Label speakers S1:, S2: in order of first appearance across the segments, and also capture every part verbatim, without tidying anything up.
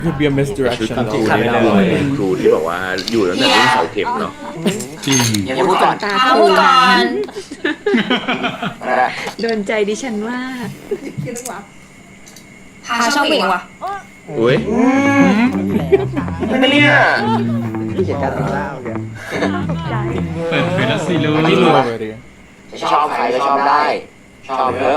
S1: could be a
S2: ชุด
S1: misdirection
S2: ครู
S1: though.
S2: นี่แน่เลยเป็นครูที่บอกว่าอยู่ตั้งแต่รุ่นเสาเข็มเนาะ
S3: จริง
S4: อย่าพูดก่อน
S5: ตา
S4: อย่า
S5: คู
S4: พูดก่อน
S5: โดนใจดิฉันว่า
S4: พาชอบผู้หญิงว่ะ
S2: อุ้ย
S4: ไม่เนี่ย
S6: ที่เขียนการแต่งหน้าโอเค
S3: เปิดเผยแล้วสิลูก
S1: I knew already.
S4: ชอบใครก็ชอบได้ ชอบเยอะ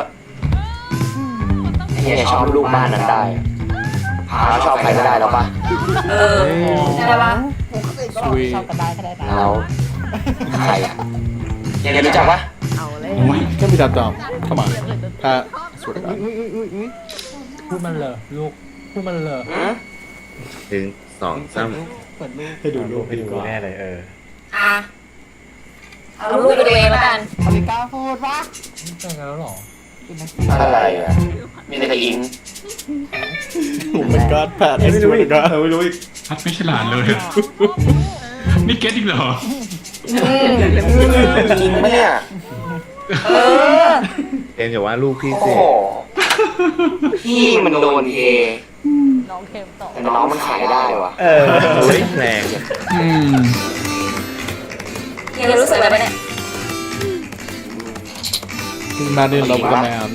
S4: เนี่ยชอบลูกบ้านนั้นได้พาชอบใครก็ได้แล้วปะเออได้ปะ
S1: Sweet.
S4: แล้วใครอ่ะยังรู้จักปะ
S5: เอาเลย
S3: โอ้ย
S1: Can't be that dumb. Come on. Pat, I swear to God.
S6: พูดมันเลยลูกพูดมันเลย
S2: ถึงสองสาม
S1: ให้ดูรูปให้ดูรูป
S6: แน่เลยเออ
S4: อ่ะเอาลูกไปดูเองแล้วกัน
S6: อเมริกาพูดปะแต่งกันแล้วหรอ
S4: อะไรอ่ะมีแต่อิง
S1: Oh my God, Pat, I swear to God.
S2: ไม่รู้อีก
S3: พัดไม่ฉลาดเลย นี่เก็ตอีกเหรอ
S4: จริงปะเนี่ยเออ
S2: เอ็มอย่าว่าลูกพี่
S4: โอ้
S2: สิ
S4: โหพี่มันโดนเทน้องเค็มต่อแต่น้องมันขายได้วะ
S2: เออโอ้ยแรง
S3: อืม
S4: เฮียรู้สึกอะไรปะเนี่ย
S1: He's madly in love with a man.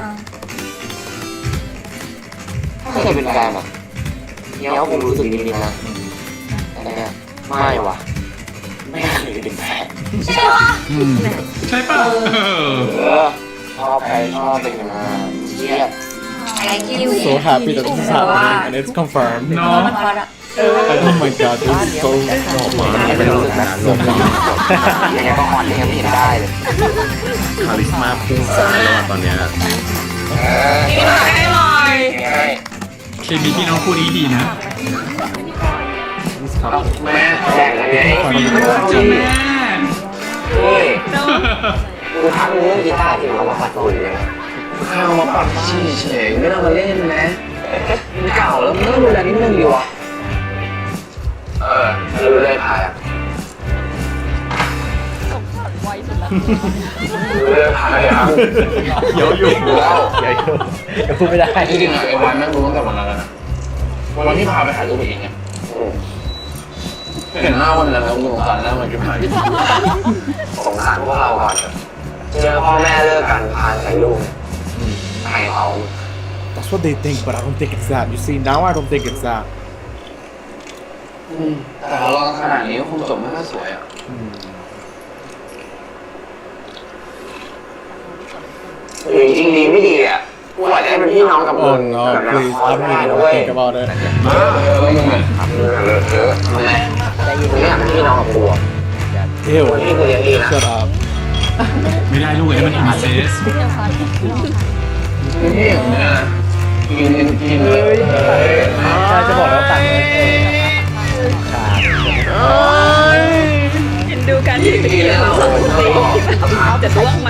S4: ถ้าเคยเป็นแฟนอ่ะเฮียก็คงรู้สึกนิดๆนะแต่เนี่ยไม่วะไม่เคยเป็นแฟน
S3: อืมใช่ป่ะเออ
S4: เออชอบใครชอบเป็นกันมาเชียบ
S1: So happy that this is happening and it's confirmed.
S3: เนาะ
S1: Oh my God, this is so
S4: ไม่รู้สึกนะลมแล้วยังไงก็อ่อนยังไม่เห็นได้เลย
S2: คาริสมาพุ่งซ่านแล้วอะตอนเนี้ย
S4: พี่หน่อยให้หน่อย
S3: เคมีพี่น้องคู่นี้ดีนะ
S4: แม่แจ้งอะไรไง
S3: เจ้าแม่
S4: เฮ้ยกูทักเรื่องกีตาร์ที่เอามาปัดฝุ่นเลยเอามาปัดเฉยๆไม่ต้องมาเล่นนะมันเก่าแล้วมันต้องดูแลนิดนึงดีวะเออรู้เลยพายอ่ะรู้เลยพายอ่ะ
S2: เดี๋ยวอยู่
S4: รู้แล้ว
S6: อย่าอย่าพูดไม่ได้
S4: จริงๆอะไอ้วันนั่งรู้ตั้งแต่วันนั้นแล้วนะวันที่พาไปถ่ายรูปเองเนี่ยเห็นหน้าวันนั้นแล้วสงสารหน้ามันจะหายสงสารพวกเราก่อนเจอพ่อแม่เลิกกันพาใส่ลูกใครเขา
S1: That's what they think, but I don't think it's that. You see, now I don't think it's that.
S4: แต่เราขนาดนี้คงจบไม่ค่อยสวยอ่ะจริงๆดีไม่ดีอ่ะกูอาจจะเป็นพี่น้องกับมึ
S1: Oh
S4: ง
S1: no,
S4: แบบนั้น
S1: please.
S4: คอย
S1: I
S4: ไม่
S1: don't
S4: ได้
S1: even
S4: นะ
S1: want
S4: เว้
S1: to
S4: ย
S1: think about it.
S4: เออมึงอะทำไมไม่อยากเป็นพี่น้องกับกูอ่ะ
S1: Ew.
S4: นี่กูเลี้ยงดีนะ
S1: Shut up.
S3: ไม่ได้ลูกอันนี้มันอินเซส
S4: นี่อย่างเนี้ยกินกินเลย
S6: ใช่จะบอกแล้วตัดเลยขาด
S5: เห็นดูการถือตีของสองคนนี้จะร่วงไหม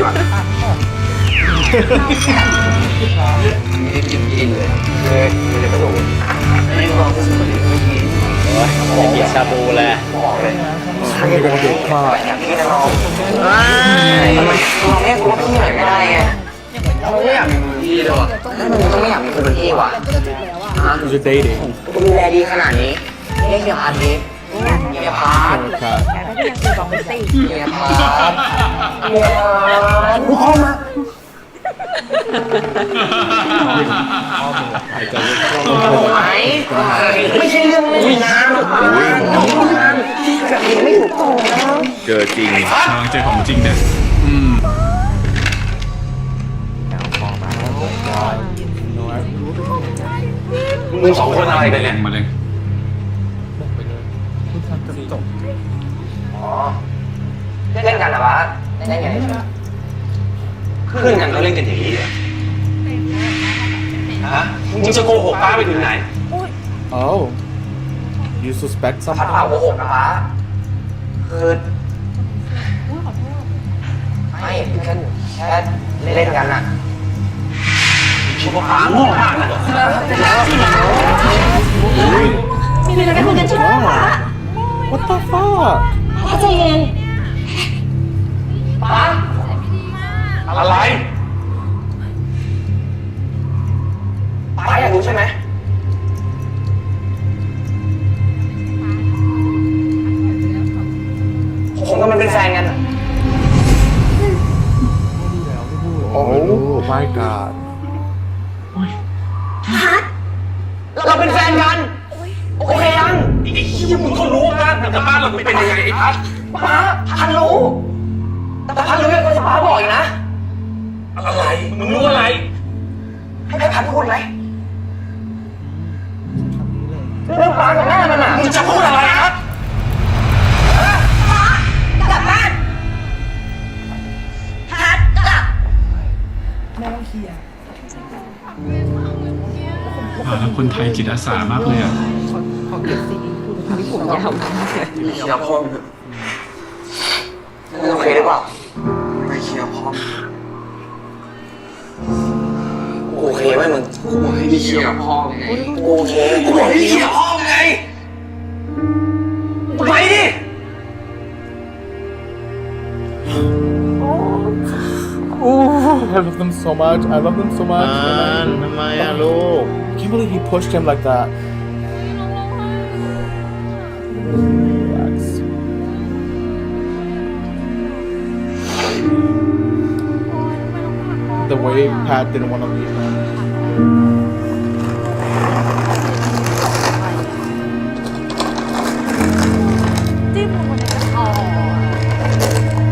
S4: นี่กินกินเลยเลยไม่ได้กระโดดไม่ลองซื้อมาดิไม่กิน
S6: จะกินชาบูแหละ
S4: บอกเลย
S1: You're gonna get caught.
S4: อย่างนี้นะน้องทำไมเราเรียกกูว่าพี่หน่อยไม่ได้ไงเราไม่อยากมีมือพี่เลยวะมึงต้องไม่อยากมีคนเป็นพี่วะ
S1: Because you're dating.
S4: กูดูแลดีขนาดนี้เรียกเฮียพาร์ทดิเฮียพาร์ท
S1: Poor cat.
S5: แต่ก็ยังตีบอกไม่ตี
S4: เฮียพาร์ทเฮียพาร์ทกูเข้ามา
S1: I tell you.
S4: ไหมไม่ใช่เรื่องเล่นนะแบบนี้ไม่ถูกต้องนะ
S2: เจอจริง
S3: กำลังเจอของจริงเนี่ยอืม
S4: มึงสองคนอะไรกัน
S3: แร
S4: เนี่ย
S3: งมาเลย
S4: อ๋อเล่นกันเหรอวะเล่นกันใช่ไหมเพื่อนกันก็เล่นกันอย่างนี้เหรอฮะมึงจะโกหกป้าไปถึงไหน
S1: Oh. You suspect
S4: พัด
S1: something?
S4: เปล่าโกหกนะป้าคือไม่แค่แค่เล่นกันอะชิบะป้าโง่มากนะ
S5: มีอะไรกันคุยกันใช่ไหมคะ
S1: What the fuck?
S5: ป้าใจเย็น
S4: ป้าอะไรป้าอยากรู้ใช่ไหม
S1: my god
S4: เราเป็นแฟนกันโอเคยัง
S2: ไอ้ที่มึงก็รู้ว่าบ้านแต่บ้านเราเป็นยังไงไอ้พัด
S4: ป้าพันรู้แต่พันรู้ยังก็จะป้าบอกอีกนะ
S2: อะไรมึงรู้อะไร
S4: ให้พันพูดไหมเรื่องป้ากับแม่มันอ่ะ
S2: มึงจะพูดอะไรครับ
S5: กลับบ้านพัดกลับ
S3: อ่าแล้วคนไทยจิตอาสามากเลยอ่ะ
S5: ผมยาวมากเลย
S4: เคลียร์พ่อมึงโอเคหรือเปล่าไม่เคลียร์พ่อกูโอเคไหมมึงกูบอกให้ไม่เคลียร์พ่อไงกูโอเคกูบอกให้เคลียร์พ่อไงไปดิ
S1: Ooh, I love them so much. I love them so much.
S2: ทำไมอะลูก
S1: I can't believe he pushed him like that. Relax. The way Pat didn't want to leave him.
S7: จิ้มลงมาในกระเพาะ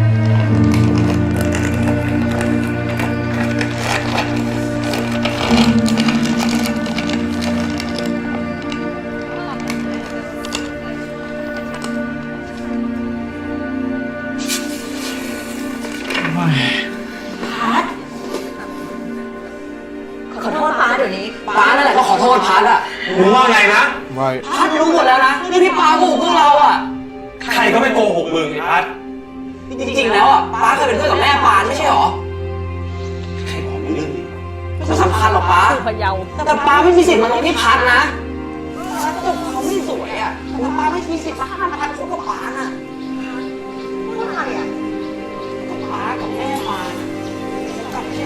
S5: ขอโทษป้าเดี๋ยวนี้
S4: ป้านั่นแหละก็ขอโทษพัดอ่ะ
S2: มึงว่าไงนะ
S1: Right.
S4: พัดรู้หมดแล้วนะเรื่องที่ป้าโกหกพวกเราอ่ะ
S2: ใครก็ไม่โกหกมึงไอ้พัด
S4: จริงๆแล้วอ่ะป้าเคยเป็นเพื่อนกับแม่ปานไม่ใช่หรอ
S2: ใครบอกมึงเรื่องนี้
S4: ไม่สำคัญหรอกป้า
S7: คือพะเยา
S4: แต่ป้าไม่มีสิทธิ์มาลงที่พัดนะป้าก็บอกเขาไม่สวยอ่ะแต่ป้าไม่มีสิทธิ์มาห้ามพัดคบกับป้าน่ะว่าไงอ่ะกับป้ากับแม่ปานกับแม่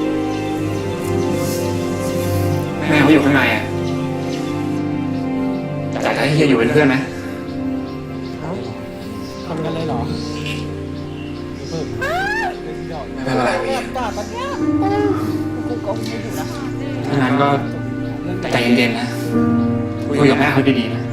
S4: แม่เขาอยู่ข้างในอ่ะอยากให้เฮียอยู่เป็นเพื่อนไหม
S6: ทำกันเลยเหรอ
S4: ไม่เป็นไรพี่
S7: กูก็ไม่อยู่นะ
S4: ถ้างั้นก็ใจเย็นๆนะคุยกับแม่เขาดีๆนะ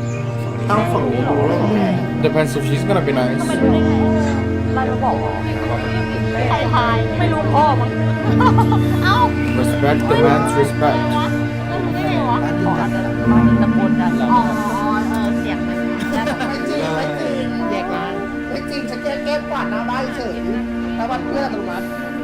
S1: Depends if she's gonna be nice.
S7: ไม่รู้ได้ไงเราจะบอกว่าใครทายไม่รู้พ่อมั้งเอ้า
S1: Respect demands respect.
S7: ไม่รู้ได้ไงวะขออาจจะมาตะโกนดังอ๋อเออเสียงมันแล้ว
S8: ไม่จริงไม่จริงแยกนะไม่จริงฉันแค่แก้กวาดหน้าบ้านเฉยแล้ววันเพื่อนตรงนั้น